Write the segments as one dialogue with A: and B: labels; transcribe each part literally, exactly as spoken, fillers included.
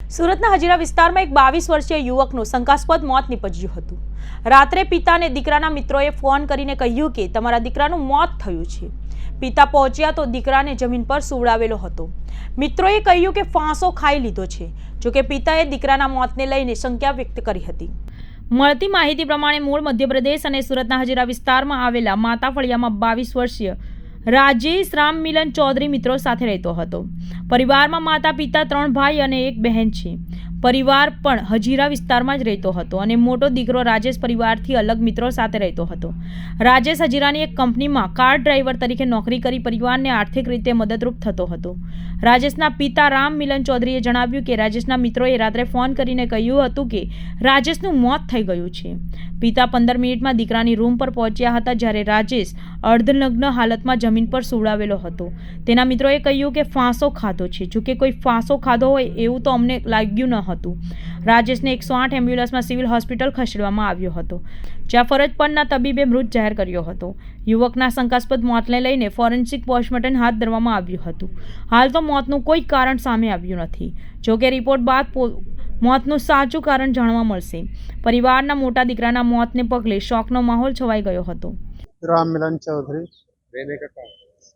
A: સુરતના હજીરા વિસ્તારમાં એક બાવીસ વર્ષીય યુવકનું શંકાસ્પદ મોત નીપજ્યું હતું। રાત્રે પિતાને દીકરાના મિત્રોએ ફોન કરીને કહ્યું કે તમારા દીકરાનું મોત થયું છે। પિતા પહોંચ્યા તો દીકરાને જમીન પર સુવડાવેલો હતો। મિત્રોએ કહ્યું કે ફાંસો ખાઈ લીધો છે। જોકે પિતાએ દીકરાના મોતને લઈને શંકા વ્યક્ત કરી હતી। મળતી માહિતી પ્રમાણે મૂળ મધ્યપ્રદેશ અને સુરતના હજીરા વિસ્તારમાં આવેલા માતા ફળિયામાં બાવીસ વર્ષીય રાજેશ રામ મિલન ચૌધરી મિત્રો સાથે રહેતો હતો। પરિવારમાં માતા પિતા ત્રણ ભાઈ અને એક બહેન છે। પરિવાર પણ હજીરા વિસ્તારમાં જ રહેતો હતો અને મોટો દીકરો રાજેશ પરિવારથી અલગ મિત્રો સાથે રહેતો હતો। રાજેશ હજીરાની એક કંપનીમાં કાર ડ્રાઈવર તરીકે નોકરી કરી પરિવારને આર્થિક રીતે મદદરૂપ થતો હતો। રાજેશના પિતા રામ મિલન ચૌધરીએ જણાવ્યું કે રાજેશના મિત્રોએ રાત્રે ફોન કરીને કહ્યું હતું કે રાજેશનું મોત થઈ ગયું છે। પિતા પંદર મિનિટમાં દીકરાની રૂમ પર પહોંચ્યા હતા, જ્યારે રાજેશ અર્ધનગ્ન હાલતમાં જમીન પર સુવડાવેલો હતો। તેના મિત્રોએ કહ્યું કે ફાંસો ખાધો છે। જોકે કોઈ ફાંસો ખાધો હોય એવું તો અમને લાગ્યું ન હતું। રાજેશને એકસો આઠ એમ્બ્યુલન્સમાં સિવિલ હોસ્પિટલ ખસેડવામાં આવ્યો હતો, જ્યાં ફરજ પરના તબીબે મૃત જાહેર કર્યો હતો। યુવકના શંકાસ્પદ મોતને લઈને ફોરેન્સિક પોસ્ટમોર્ટમ હાથ ધરવામાં આવ્યું હતું। હાલ તો મોતનું કોઈ કારણ સામે આવ્યું નથી। જોકે રિપોર્ટ બાદ મોતનું સાચું કારણ જાણવા મળશે। પરિવારના મોટા દીકરાના મોતને પગલે શોકનો માહોલ છવાઈ ગયો હતો।
B: राम मिलन चौधरी
C: रहने का कहाँ?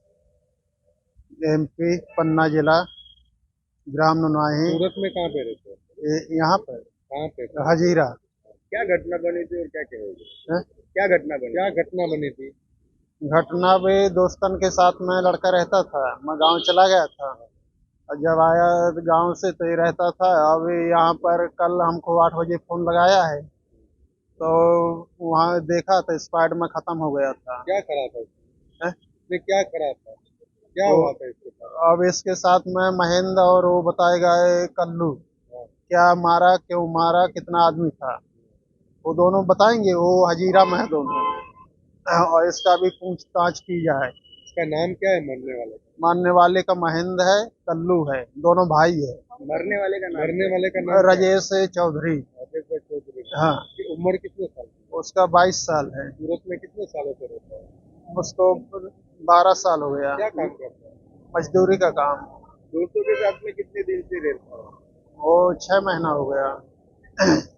B: एमपी पन्ना जिला ग्राम नुनाही।
C: सूरत में कहाँ पे रहते हो?
B: ये- यहाँ पर
C: कहाँ पे?
B: हजीरा
C: क्या घटना बनी थी और क्या कहोगे?
B: है?
C: क्या घटना बनी? क्या घटना बनी थी?
B: घटना भी दोस्तन के साथ में लड़का रहता था। मैं गांव चला गया था और जब आया गांव से तो ये रहता था। अभी यहाँ पर कल हमको आठ बजे फोन लगाया है तो वहाँ देखा तो स्पाइड में खत्म हो गया था।
C: क्या करा था उसने?
B: है?
C: उसने क्या करा था? क्या
B: वो-
C: हुआ था इसके साथ?
B: अब इसके साथ में महेंद्र और वो बताएगा ये कल्लू
C: हाँ।
B: क्या मारा, क्यों मारा, कितना आदमी था, वो दोनों बताएंगे। वो हजीरा में है दोनों, और इसका भी पूछताछ की जाए।
C: इसका नाम क्या है मरने वाले का?
B: मानने वाले का महेंद्र है, कल्लू है, दोनों भाई है।
C: मरने वाले का नाम? मरने वाले का नाम क्या है?
B: राजेश चौधरी।
C: राजेश भाई चौधरी।
B: हाँ,
C: उसकी उम्र कितने साल की?
B: उसका बाईस साल है।
C: सूरत में कितने सालों से रहता है?
B: उसको बारह साल हो गया।
C: क्या काम करता है?
B: मजदूरी का काम।
C: दोस्तों के साथ में कितने दिन से रहता है?
B: वो छह महीना हो गया।